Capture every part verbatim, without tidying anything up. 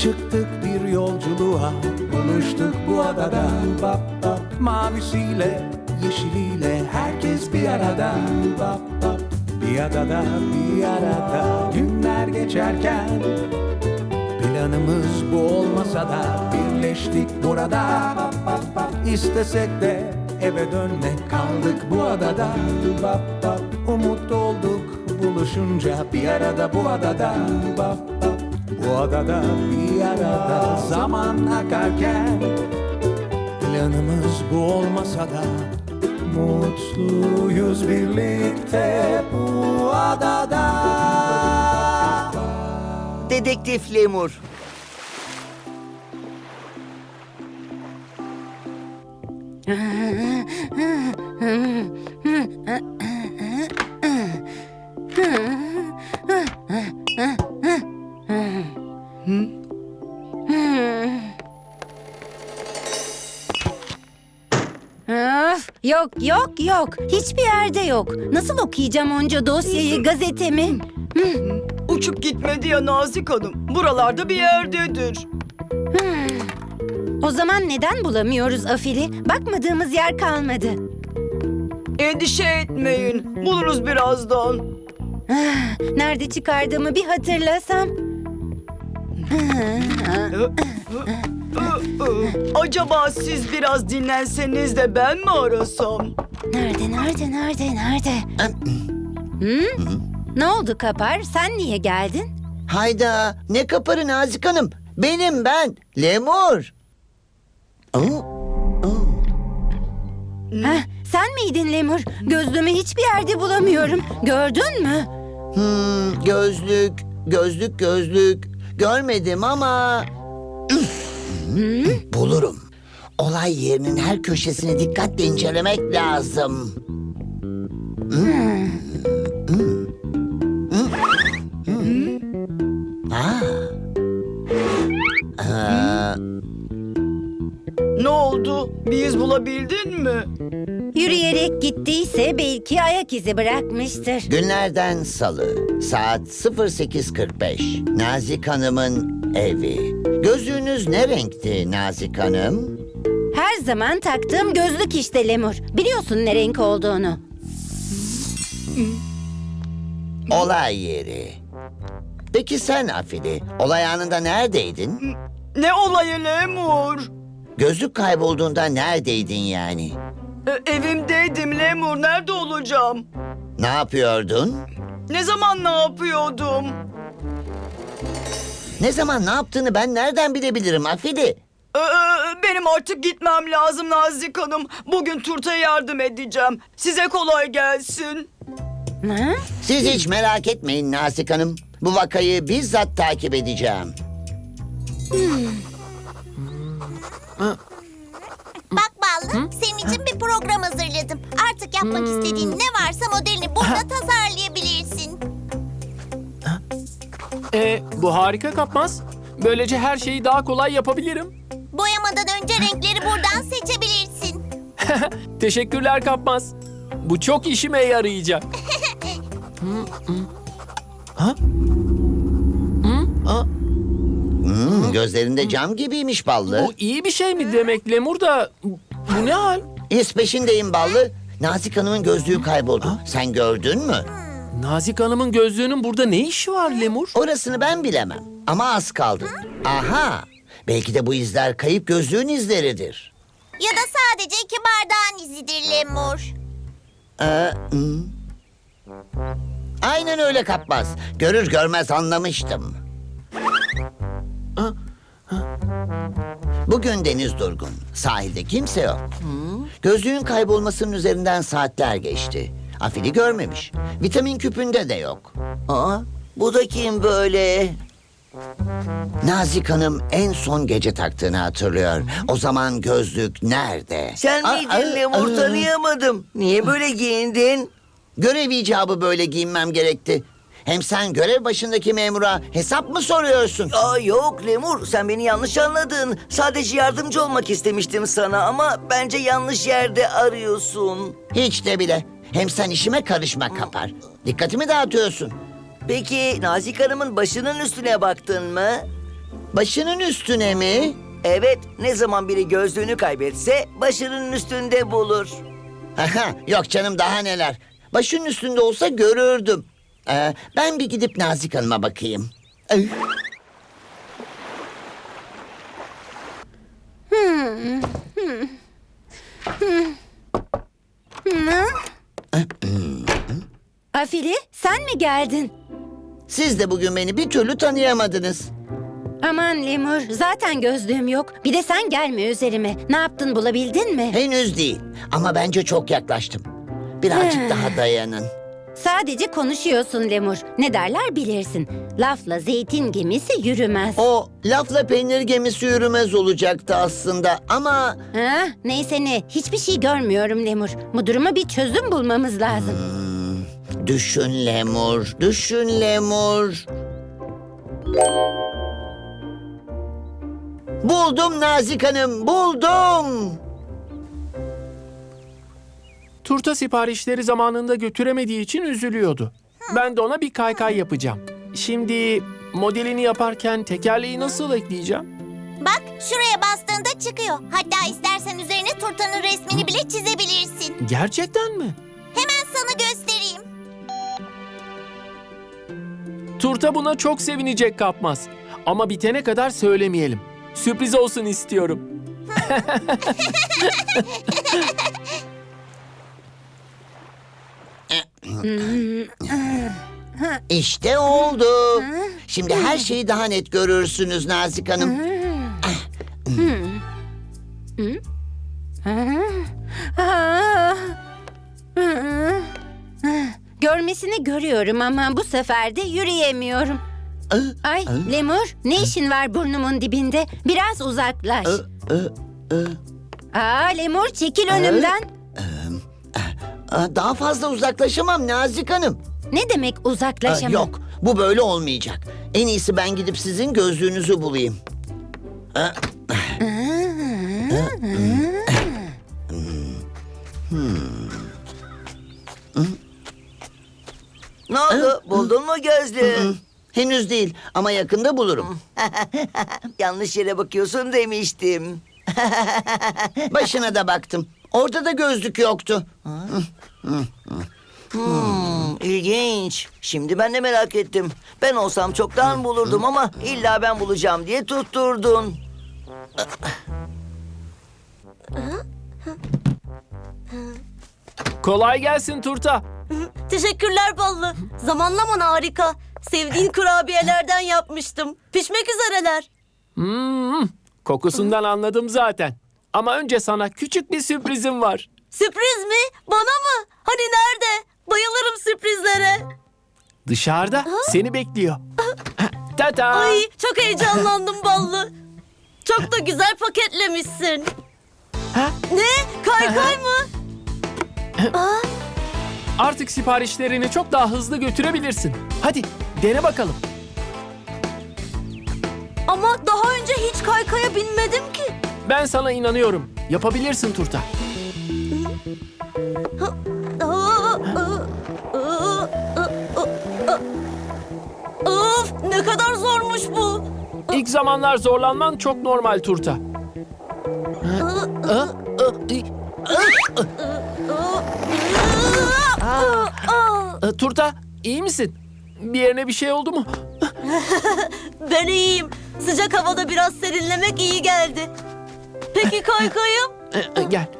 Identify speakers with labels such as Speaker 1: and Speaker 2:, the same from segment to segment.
Speaker 1: Çıktık bir yolculuğa, buluştuk bu adada. Bap bap, mavisiyle, yeşiliyle herkes bir arada. Bap bap, bir adada, bir arada. Günler geçerken planımız bu olmasa da birleştik burada. Bap bap bap, istesek de eve dönmek, kaldık bu adada. Bap bap, umut olduk buluşunca bir arada bu adada. Bap bap, bu adada bir arada. Zaman akarken planımız bu olmasa da mutluyuz birlikte bu adada.
Speaker 2: Dedektif Lemur.
Speaker 3: Öf, yok yok yok. Hiçbir yerde yok. Nasıl okuyacağım onca dosyayı, gazetemi?
Speaker 4: Uçup gitmedi ya Nazik Hanım. Buralarda bir yerdedir.
Speaker 3: O zaman neden bulamıyoruz Afili? Bakmadığımız yer kalmadı.
Speaker 4: Endişe etmeyin. Buluruz birazdan.
Speaker 3: Ah, nerede çıkardığımı bir hatırlasam.
Speaker 4: Acaba siz biraz dinlenseniz de ben mi arasam?
Speaker 3: Nerede, nerede, nerede, nerede? Hı? Ne oldu Kapar? Sen niye geldin?
Speaker 2: Hayda, ne kaparı Nazik Hanım? Benim ben, Lemur. Oo, oo.
Speaker 3: Heh, sen miydin Lemur? Gözlüğümü hiçbir yerde bulamıyorum. Gördün mü?
Speaker 2: Hmm, gözlük, gözlük, gözlük. Görmedim ama... Bulurum. Olay yerinin her köşesini dikkatle incelemek lazım. Hmm. Hmm. Hmm. Aa. Aa.
Speaker 4: Ne oldu? Bir iz bulabildin mi?
Speaker 3: Yürüyerek gittiyse belki ayak izi bırakmıştır.
Speaker 2: Günlerden salı, saat sıfır sekiz kırk beş. Nazik Hanım'ın evi. Gözlüğünüz ne renkti Nazik Hanım?
Speaker 3: Her zaman taktığım gözlük işte Lemur. Biliyorsun ne renk olduğunu.
Speaker 2: Olay yeri. Peki sen Afili, olay anında neredeydin?
Speaker 4: Ne olayı Lemur?
Speaker 2: Gözlük kaybolduğunda neredeydin yani?
Speaker 4: E, evimdeydim Lemur. Nerede olacağım?
Speaker 2: Ne yapıyordun?
Speaker 4: Ne zaman ne yapıyordum?
Speaker 2: Ne zaman ne yaptığını ben nereden bilebilirim Afili?
Speaker 4: Ee, benim artık gitmem lazım Nazik Hanım. Bugün Turta'ya yardım edeceğim. Size kolay gelsin.
Speaker 3: Ha?
Speaker 2: Siz hiç merak etmeyin Nazik Hanım. Bu vakayı bizzat takip edeceğim.
Speaker 5: Bak Ballı, senin için bir program hazırladım. Artık yapmak istediğin ne varsa modelini burada tasarlayabilirsin.
Speaker 6: Ee, bu harika Kapmaz. Böylece her şeyi daha kolay yapabilirim.
Speaker 5: Boyamadan önce renkleri buradan seçebilirsin.
Speaker 6: Teşekkürler Kapmaz. Bu çok işime yarayacak.
Speaker 2: Hmm, gözlerinde cam gibiymiş Ballı.
Speaker 6: Bu iyi bir şey mi demek Lemur da? Bu ne hal?
Speaker 2: İz peşindeyim Ballı. Nazik Hanım'ın gözlüğü kayboldu. Sen gördün mü?
Speaker 6: Nazik Hanım'ın gözlüğünün burada ne işi var Lemur?
Speaker 2: Orasını ben bilemem. Ama az kaldı. Aha! Belki de bu izler kayıp gözlüğün izleridir.
Speaker 5: Ya da sadece iki bardağın izidir Lemur.
Speaker 2: Ee, hmm. Aynen öyle Kapmaz. Görür görmez anlamıştım. Bugün deniz durgun. Sahilde kimse yok. Gözlüğün kaybolmasının üzerinden saatler geçti. Afili görmemiş. Vitamin küpünde de yok. Aa, bu da kim böyle? Nazik Hanım en son gece taktığını hatırlıyor. O zaman gözlük nerede?
Speaker 7: Sen
Speaker 2: Aa,
Speaker 7: miydin
Speaker 2: aa,
Speaker 7: Lemur?
Speaker 2: aa.
Speaker 7: Tanıyamadım. Niye böyle giyindin?
Speaker 2: Görev icabı böyle giyinmem gerekti. Hem sen görev başındaki memura hesap mı soruyorsun?
Speaker 7: Aa, yok Lemur, sen beni yanlış anladın. Sadece yardımcı olmak istemiştim sana ama bence yanlış yerde arıyorsun.
Speaker 2: Hiç de bile. Hem sen işime karışma Kapar. Dikkatimi dağıtıyorsun.
Speaker 7: Peki Nazik Hanım'ın başının üstüne baktın mı?
Speaker 2: Başının üstüne mi?
Speaker 7: Evet, ne zaman biri gözlüğünü kaybetse başının üstünde bulur.
Speaker 2: Aha, yok canım daha neler. Başının üstünde olsa görürdüm. Ee, ben bir gidip Nazik Hanım'a bakayım. Ay.
Speaker 3: Afili, sen mi geldin?
Speaker 2: Siz de bugün beni bir türlü tanıyamadınız.
Speaker 3: Aman Lemur, zaten gözlüğüm yok. Bir de sen gelme üzerime. Ne yaptın, bulabildin mi?
Speaker 2: Henüz değil ama bence çok yaklaştım. Birazcık daha dayanın.
Speaker 3: Sadece konuşuyorsun Lemur. Ne derler bilirsin. Lafla zeytin gemisi yürümez.
Speaker 2: O lafla peynir gemisi yürümez olacaktı aslında ama...
Speaker 3: Ha, neyse ne, hiçbir şey görmüyorum Lemur. Bu duruma bir çözüm bulmamız lazım.
Speaker 2: Düşün Lemur, düşün Lemur. Buldum Nazik Hanım, buldum.
Speaker 6: Turta siparişleri zamanında götüremediği için üzülüyordu. Ben de ona bir kaykay yapacağım. Şimdi modelini yaparken tekerleği nasıl ekleyeceğim?
Speaker 5: Bak şuraya bastığında çıkıyor. Hatta istersen üzerine turtanın resmini bile çizebilirsin.
Speaker 6: Gerçekten mi?
Speaker 5: Hemen sana göstereyim.
Speaker 6: Turta buna çok sevinecek Kapmaz. Ama bitene kadar söylemeyelim. Sürpriz olsun istiyorum.
Speaker 2: İşte oldu. Şimdi her şeyi daha net görürsünüz Nazik Hanım.
Speaker 3: Ah. Görmesini görüyorum ama bu sefer de yürüyemiyorum. Ay Lemur, ne işin var burnumun dibinde? Biraz uzaklaş. Aa Lemur, çekil önümden.
Speaker 2: Aa, Daha fazla uzaklaşamam Nazik Hanım.
Speaker 3: Ne demek
Speaker 2: Aa,
Speaker 3: uzaklaşamam?
Speaker 2: Yok, bu böyle olmayacak. En iyisi ben gidip sizin gözlüğünüzü bulayım. Aa,
Speaker 7: Ne oldu? Buldun mu gözlüğü?
Speaker 2: Henüz değil ama yakında bulurum.
Speaker 7: Yanlış yere bakıyorsun demiştim.
Speaker 2: Başına da baktım. Orada da gözlük yoktu.
Speaker 7: Hmm, ilginç. Şimdi ben de merak ettim. Ben olsam çoktan bulurdum ama illa ben bulacağım diye tutturdun.
Speaker 6: Kolay gelsin Turta.
Speaker 8: Teşekkürler Ballı. Zamanlaman harika. Sevdiğin kurabiyelerden yapmıştım. Pişmek üzereler.
Speaker 6: Hmm, kokusundan anladım zaten. Ama önce sana küçük bir sürprizim var.
Speaker 8: Sürpriz mi? Bana mı? Hani nerede? Bayılırım sürprizlere.
Speaker 6: Dışarıda seni bekliyor. Tata.
Speaker 8: Ay çok heyecanlandım Ballı. Çok da güzel paketlemişsin.
Speaker 6: Ha?
Speaker 8: Ne? Kaykay mı?
Speaker 6: Artık siparişlerini çok daha hızlı götürebilirsin. Hadi dene bakalım.
Speaker 8: Ama daha önce hiç kaykaya binmedim ki.
Speaker 6: Ben sana inanıyorum. Yapabilirsin Turta.
Speaker 8: Of ne kadar zormuş bu.
Speaker 6: İlk zamanlar zorlanman çok normal Turta. Ee, Turta, iyi misin? Bir yerine bir şey oldu mu?
Speaker 8: Ben iyiyim. Sıcak havada biraz serinlemek iyi geldi. Peki kaykayım?
Speaker 6: Ee, e, Gel.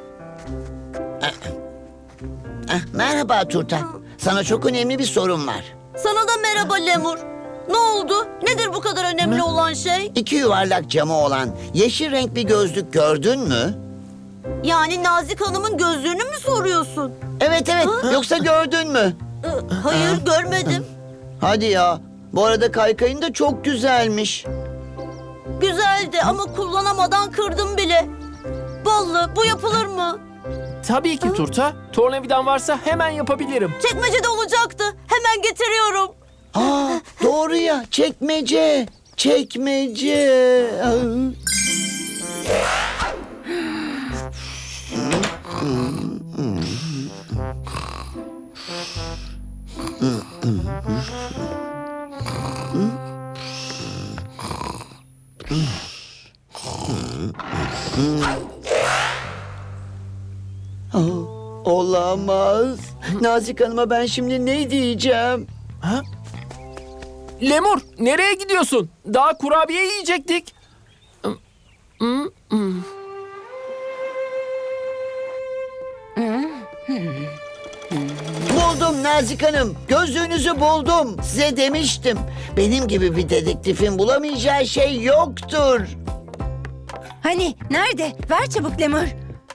Speaker 2: Ah, merhaba Turta. Sana çok önemli bir sorum var.
Speaker 8: Sana da merhaba Lemur. Ne oldu? Nedir bu kadar önemli olan şey?
Speaker 2: İki yuvarlak camı olan yeşil renk bir gözlük gördün mü?
Speaker 8: Yani Nazik Hanım'ın gözlüğünü mü soruyorsun?
Speaker 2: Evet evet. Yoksa gördün mü?
Speaker 8: Ee, Hayır görmedim.
Speaker 2: Hadi ya. Bu arada kaykayın da çok güzelmiş.
Speaker 8: Güzeldi ama kullanamadan kırdım bile. Ballı bu yapılır mı?
Speaker 6: Tabii ki Turta. Tornavidan varsa hemen yapabilirim.
Speaker 8: Çekmecede olacaktı. Hemen getiriyorum.
Speaker 2: Aa, doğru ya. Çekmece. Çekmece. Ah. Olamaz. Nazik Hanım'a ben şimdi ne diyeceğim?
Speaker 6: Lemur, nereye gidiyorsun? Daha kurabiye yiyecektik.
Speaker 2: Buldum Nazik Hanım. Gözlüğünüzü buldum. Size demiştim. Benim gibi bir dedektifin bulamayacağı şey yoktur.
Speaker 3: Hani nerede? Ver çabuk Lemur.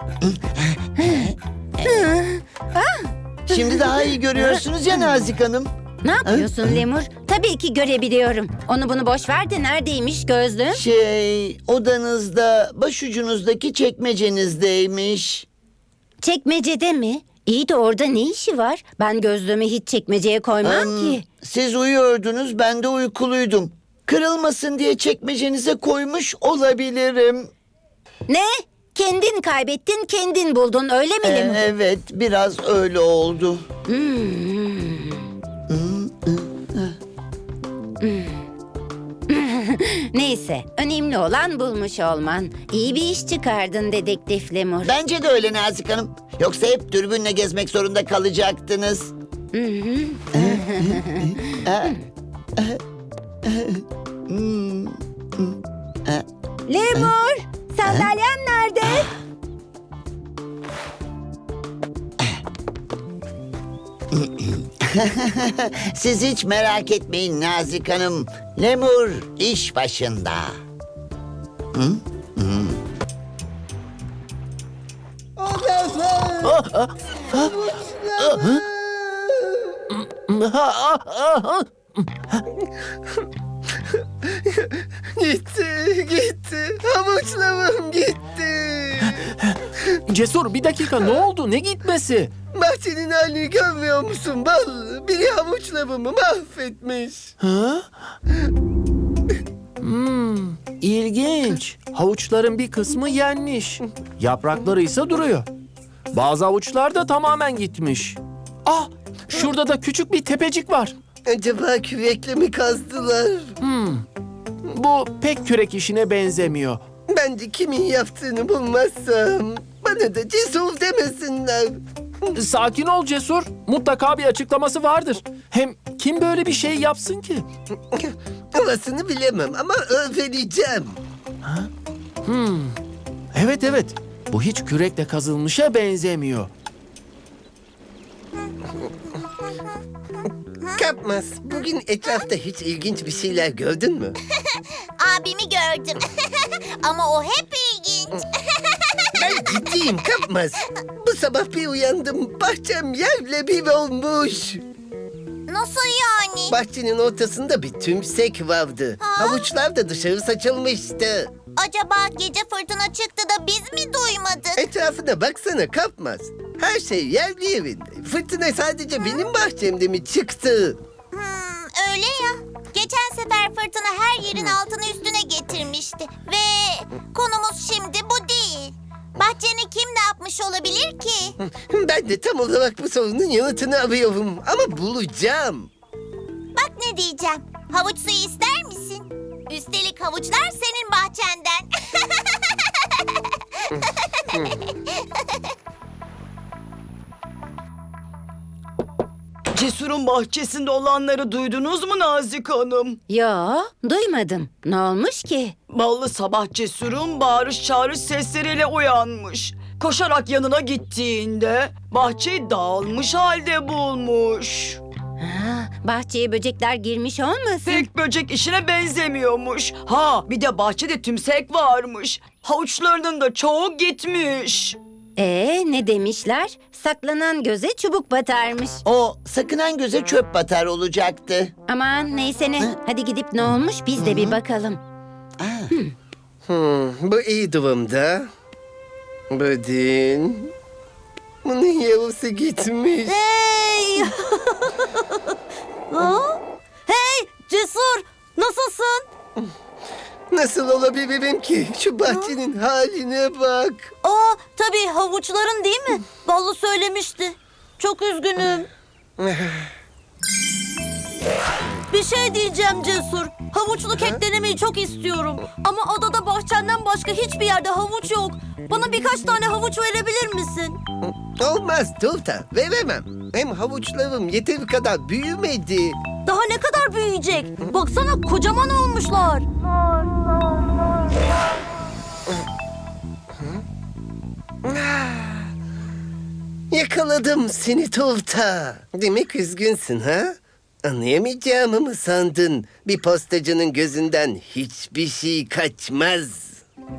Speaker 2: Şimdi daha iyi görüyorsunuz ya Nazik Hanım.
Speaker 3: Ne yapıyorsun Lemur? Tabii ki görebiliyorum. Onu bunu boş ver de neredeymiş gözlüğüm?
Speaker 2: Şey, odanızda, başucunuzdaki çekmecenizdeymiş.
Speaker 3: Çekmecede mi? İyi de orada ne işi var? Ben gözlüğümü hiç çekmeceye koymam
Speaker 2: Hmm,
Speaker 3: ki.
Speaker 2: Siz uyuyordunuz, ben de uykuluydum. Kırılmasın diye çekmecenize koymuş olabilirim.
Speaker 3: Ne? Kendin kaybettin, kendin buldun öyle mi
Speaker 2: Ee,
Speaker 3: Lemur?
Speaker 2: evet, biraz öyle oldu.
Speaker 3: Neyse, önemli olan bulmuş olman. İyi bir iş çıkardın dedektif Lemur.
Speaker 2: Bence de öyle Nazik Hanım. Yoksa hep dürbünle gezmek zorunda kalacaktınız.
Speaker 3: Lemur, sandalyem nerede?
Speaker 2: Siz hiç merak etmeyin Nazik Hanım. Lemur iş başında.
Speaker 9: Gitti, gitti. Havuçlamam gitti.
Speaker 6: Cesur, bir dakika, ne oldu? Ne gitmesi?
Speaker 9: Bahçenin halini görmüyor musun bal? Biri havuçlamamı mahvetmiş.
Speaker 6: Ha? Hmm, ilginç. Havuçların bir kısmı yenmiş. Yaprakları ise duruyor. Bazı havuçlar da tamamen gitmiş. Ah, şurada da küçük bir tepecik var.
Speaker 9: Acaba kürekle mi kazdılar?
Speaker 6: Bu pek kürek işine benzemiyor.
Speaker 9: Ben de kimin yaptığını bulmazsam bana da cesur demesinler.
Speaker 6: Sakin ol Cesur. Mutlaka bir açıklaması vardır. Hem kim böyle bir şey yapsın ki?
Speaker 9: Orasını bilemem ama öğreneceğim.
Speaker 6: Evet evet. Bu hiç kürekle kazılmışa benzemiyor.
Speaker 9: Kapmaz, bugün etrafta hiç ilginç bir şeyler gördün mü?
Speaker 5: Abimi gördüm. Ama o hep ilginç.
Speaker 9: Ben ciddiyim Kapmaz. Bu sabah bir uyandım, bahçem yerle bir olmuş.
Speaker 5: Nasıl yani?
Speaker 9: Bahçenin ortasında bir tümsek vardı. Havuçlar da dışarı saçılmıştı.
Speaker 5: Acaba gece fırtına çıktı da biz mi duymadık?
Speaker 9: Etrafına baksana Kapmaz. Her şey yerli yerinde. Fırtına sadece benim bahçemde mi çıktı?
Speaker 5: Hmm, öyle ya. Geçen sefer fırtına her yerin altını üstüne getirmişti. Ve konumuz şimdi bu değil. Bahçeni kim ne yapmış olabilir ki?
Speaker 9: Ben de tam olarak bu sorunun yanıtını arıyorum. Ama bulacağım.
Speaker 5: Bak ne diyeceğim. Havuç suyu ister misin? Üstelik havuçlar senin bahçenden.
Speaker 4: Cesur'un bahçesinde olanları duydunuz mu Nazik Hanım?
Speaker 3: Yo, duymadım. Ne olmuş ki?
Speaker 4: Ballı sabah Cesur'un bağırış çağırış sesleriyle uyanmış. Koşarak yanına gittiğinde bahçeyi dağılmış halde bulmuş.
Speaker 3: Ha, bahçeye böcekler girmiş olmasın?
Speaker 4: Pek böcek işine benzemiyormuş. Ha bir de bahçede tümsek varmış. Havuçlarının da çoğu gitmiş.
Speaker 3: Ee, ne demişler? Saklanan göze çubuk batarmış.
Speaker 2: O sakınan göze çöp batar olacaktı.
Speaker 3: Aman neyse ne. Hadi gidip ne olmuş biz de bir bakalım.
Speaker 9: Hmm, bu iyi durumda. Budin. Bunun yavrusu gitmiş.
Speaker 8: Hey! Ha? Hey Cesur, nasılsın?
Speaker 9: Nasıl olabilirim ki? Şu bahçenin haline bak.
Speaker 8: Aa, tabii havuçların değil mi? Ballı söylemişti. Çok üzgünüm. Bir şey diyeceğim Cesur. Havuçlu kek denemeyi çok istiyorum. Ama adada bahçenden başka hiçbir yerde havuç yok. Bana birkaç tane havuç verebilir misin?
Speaker 9: Olmaz Tufta, veremem. Hem havuçlarım yeteri kadar büyümedi.
Speaker 8: Daha ne kadar büyüyecek? Baksana kocaman olmuşlar.
Speaker 9: Yakaladım seni Tufta. Demek üzgünsün ha? Anlayamayacağımı mı sandın? Bir postacının gözünden hiçbir şey kaçmaz.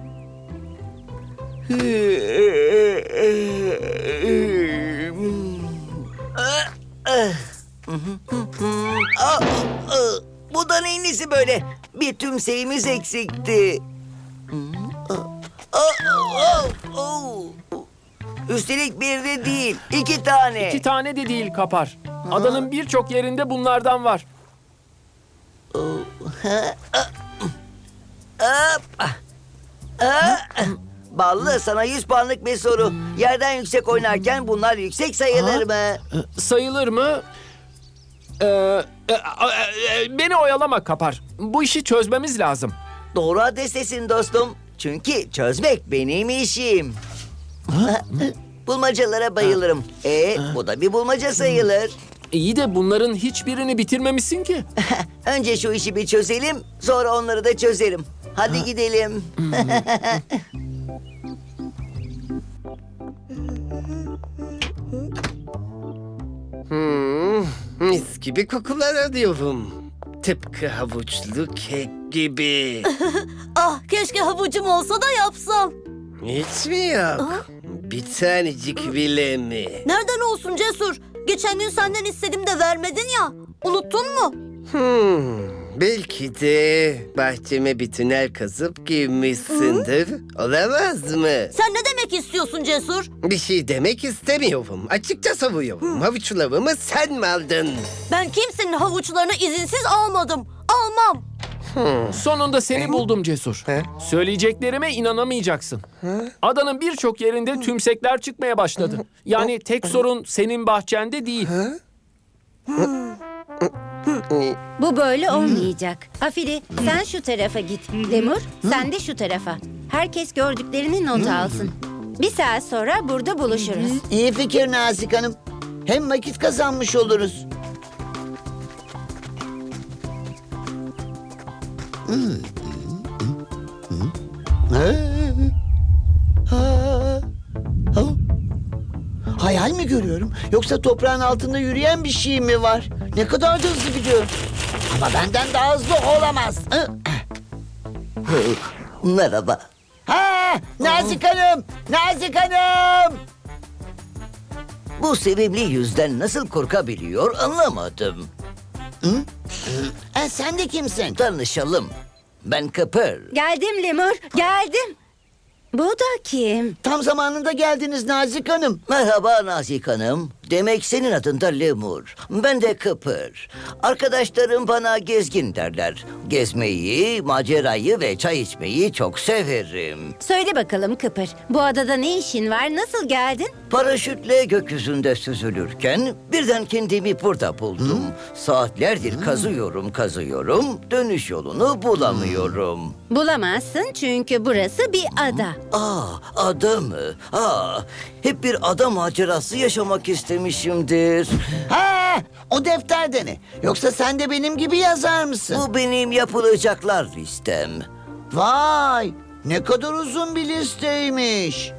Speaker 2: Aa, aa, bu da neyin nesi böyle? Bir tümseyimiz eksikti. Aa, aa, aa, aa. Üstelik bir de değil, iki tane.
Speaker 6: İki tane de değil Kapar. Adanın birçok yerinde bunlardan var.
Speaker 2: Ballı, sana yüz puanlık bir soru. Yerden yüksek oynarken bunlar yüksek sayılır mı?
Speaker 6: Sayılır mı? Ee, e, e, e, beni oyalama Kapar. Bu işi çözmemiz lazım.
Speaker 2: Doğru adrestesin dostum. Çünkü çözmek benim işim. Bulmacalara bayılırım. E, bu da bir bulmaca sayılır.
Speaker 6: İyi de bunların hiçbirini bitirmemişsin ki.
Speaker 2: Önce şu işi bir çözelim, sonra onları da çözerim. Hadi gidelim.
Speaker 9: Hmm, mis gibi kokular alıyorum. Tıpkı havuçlu kek gibi.
Speaker 8: Ah keşke havucum olsa da yapsam.
Speaker 9: Hiç mi yok? Bir tanecik bile mi?
Speaker 8: Nereden olsun Cesur? Geçen gün senden istedim de vermedin ya. Unuttun mu?
Speaker 9: Hmm, belki de bahçeme bir tünel kazıp girmişsindir. Olamaz mı?
Speaker 8: Sen ne demek istiyorsun Cesur?
Speaker 9: Bir şey demek istemiyorum. Açıkça savuyorum. Havuçlarımı sen mi aldın?
Speaker 8: Ben kimsenin havuçlarını izinsiz almadım. Almam.
Speaker 6: Sonunda seni buldum Cesur.
Speaker 9: He?
Speaker 6: Söyleyeceklerime inanamayacaksın. Adanın birçok yerinde tümsekler çıkmaya başladı. Yani tek sorun senin bahçende değil.
Speaker 3: Bu böyle olmayacak. Afili sen şu tarafa git. Lemur sen de şu tarafa. Herkes gördüklerini not alsın. Bir saat sonra burada buluşuruz.
Speaker 2: İyi fikir Nazik Hanım. Hem vakit kazanmış oluruz. Hayal mi görüyorum? Yoksa toprağın altında yürüyen bir şey mi var? Ne kadar da hızlı gidiyor. Ama benden daha hızlı olamaz. Merhaba. Ha, Nazik Hanım! Nazik Hanım! Bu sevimli yüzden nasıl korkabiliyor anlamadım. Hı? E, sen de kimsin? Tanışalım. Ben Kıpır.
Speaker 3: Geldim Lemur geldim. Bu da kim?
Speaker 2: Tam zamanında geldiniz Nazik Hanım. Merhaba Nazik Hanım. Demek senin adın da Lemur. Ben de Kıpır. Arkadaşlarım bana gezgin derler. Gezmeyi, macerayı ve çay içmeyi çok severim.
Speaker 3: Söyle bakalım Kıpır. Bu adada ne işin var? Nasıl geldin?
Speaker 2: Paraşütle gökyüzünde süzülürken birden kendimi burada buldum. Saatlerdir kazıyorum kazıyorum. Dönüş yolunu bulamıyorum.
Speaker 3: Bulamazsın çünkü burası bir ada.
Speaker 2: Aa, ada mı? Aa, hep bir ada macerası yaşamak istemişimdir. Ha, o defterde ne? Yoksa sen de benim gibi yazar mısın? Bu benim yapılacaklar listem. Vay, ne kadar uzun bir listeymiş.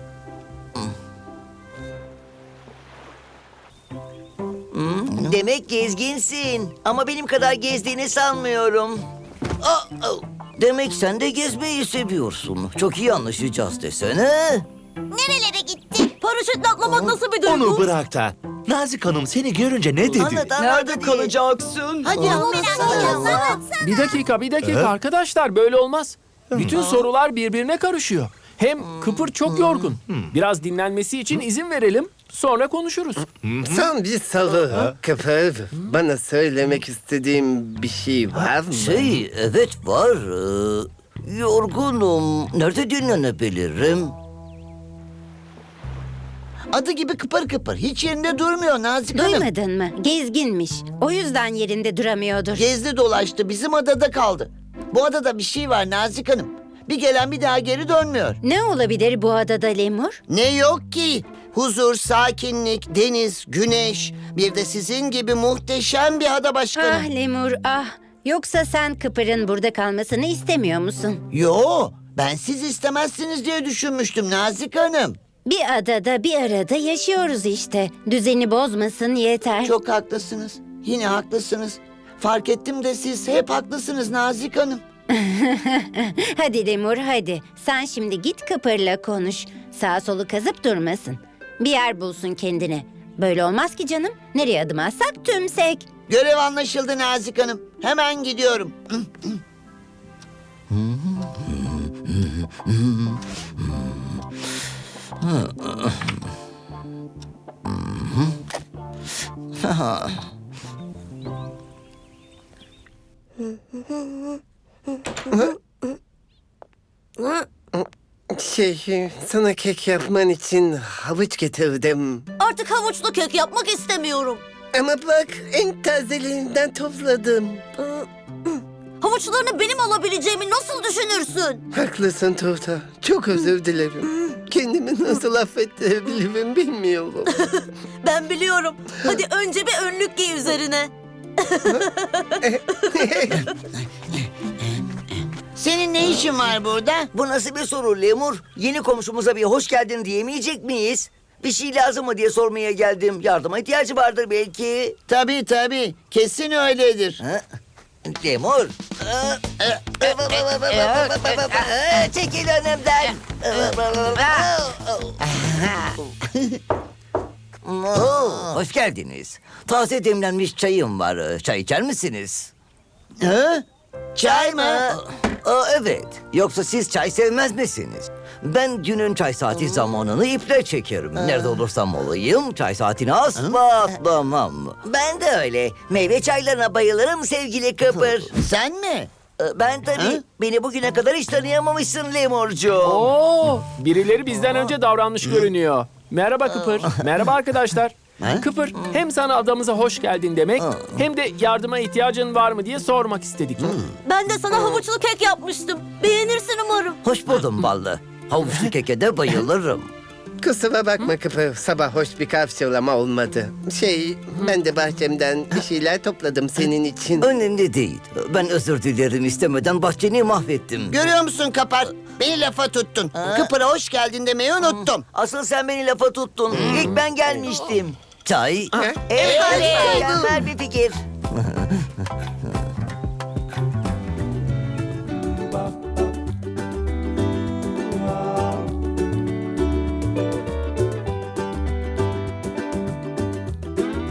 Speaker 2: Hmm, demek gezginsin. Ama benim kadar gezdiğini sanmıyorum. Aa, aa. Demek sen de gezmeyi seviyorsun. Çok iyi anlaşacağız desene.
Speaker 5: Nerelere gitti?
Speaker 8: Paraşütle atlamak nasıl bir duygu?
Speaker 10: Onu bırak da. Nazik Hanım seni görünce ne dedi?
Speaker 2: Anlat, anlat,
Speaker 4: Nerede
Speaker 2: hadi.
Speaker 4: kalacaksın?
Speaker 2: Hadi anlatsana.
Speaker 6: Bir dakika, bir dakika arkadaşlar böyle olmaz. Bütün sorular birbirine karışıyor. Hem Kıpır çok yorgun. Biraz dinlenmesi için izin verelim. Sonra konuşuruz.
Speaker 9: Son bir soru. Kıpır, bana söylemek istediğim bir şey var mı?
Speaker 2: Şey, evet var. Ee, yorgunum. Nerede dinlenebilirim? Adı gibi kıpır kıpır. Hiç yerinde durmuyor Nazik Hanım.
Speaker 3: Duymadın mı? Gezginmiş. O yüzden yerinde duramıyordur.
Speaker 2: Gezdi dolaştı, bizim adada kaldı. Bu adada bir şey var Nazik Hanım. Bir gelen bir daha geri dönmüyor.
Speaker 3: Ne olabilir bu adada Lemur?
Speaker 2: Ne yok ki? Huzur, sakinlik, deniz, güneş. Bir de sizin gibi muhteşem bir ada başkanım.
Speaker 3: Ah Lemur ah. Yoksa sen Kıpır'ın burada kalmasını istemiyor musun?
Speaker 2: Yo, ben siz istemezsiniz diye düşünmüştüm Nazik Hanım.
Speaker 3: Bir adada bir arada yaşıyoruz işte. Düzeni bozmasın yeter.
Speaker 2: Çok haklısınız. Yine haklısınız. Fark ettim de siz hep haklısınız Nazik Hanım.
Speaker 3: Hadi Lemur hadi. Sen şimdi git Kıpır'la konuş. Sağ solu kazıp durmasın. Bir yer bulsun kendine. Böyle olmaz ki canım. Nereye adım atsak tümsek.
Speaker 2: Görev anlaşıldı Nazik Hanım. Hemen gidiyorum.
Speaker 9: Şey, sana kek yapman için havuç getirdim.
Speaker 8: Artık havuçlu kek yapmak istemiyorum.
Speaker 9: Ama bak, en tazelerinden topladım.
Speaker 8: Havuçlarını benim alabileceğimi nasıl düşünürsün?
Speaker 9: Haklısın Tuğta. Çok özür dilerim. Kendimi nasıl affettirebilirim bilmiyorum.
Speaker 8: Ben biliyorum. Hadi önce bir önlük giy üzerine.
Speaker 2: Senin ne işin var burada?
Speaker 7: Bu nasıl bir soru Lemur? Yeni komşumuza bir hoş geldin diyemeyecek miyiz? Bir şey lazım mı diye sormaya geldim. Yardıma ihtiyacı vardır belki.
Speaker 2: Tabii tabii. Kesin öyledir.
Speaker 7: Ha? Lemur. Çekil önümden. Oo, hoş geldiniz. Taze demlenmiş çayım var. Çay içer misiniz?
Speaker 2: Ha? Çay mı?
Speaker 7: Aa, evet. Yoksa siz çay sevmez misiniz? Ben günün çay saati zamanını iple çekerim. Nerede olursam olayım çay saatini asla atlamam. Ben de öyle. Meyve çaylarına bayılırım sevgili Kıpır.
Speaker 2: Sen mi?
Speaker 7: Ee, Ben tabii.
Speaker 2: Ha?
Speaker 7: Beni bugüne kadar hiç tanıyamamışsın Lemurcuğum.
Speaker 6: Oo, birileri bizden önce davranmış görünüyor. Merhaba Kıpır. Merhaba arkadaşlar.
Speaker 2: Ha?
Speaker 6: Kıpır, hem sana adamıza hoş geldin demek, hem de yardıma ihtiyacın var mı diye sormak istedik.
Speaker 8: Ben de sana havuçlu kek yapmıştım. Beğenirsin umarım.
Speaker 7: Hoş buldum ballı. Havuçlu keke de bayılırım.
Speaker 9: Kusura bakma Kıpır, sabah hoş bir karşılama olmadı. Şey, ben de bahçemden bir şeyler topladım senin için.
Speaker 7: Önemli değil. Ben özür dilerim, istemeden bahçeni mahvettim.
Speaker 2: Görüyor musun Kapar? Beni lafa tuttun. Kıpır'a hoş geldin demeyi unuttum.
Speaker 7: Asıl sen beni lafa tuttun. İlk ben gelmiştim. Çay.
Speaker 9: Ha?
Speaker 7: Evet, mükemmel bir fikir.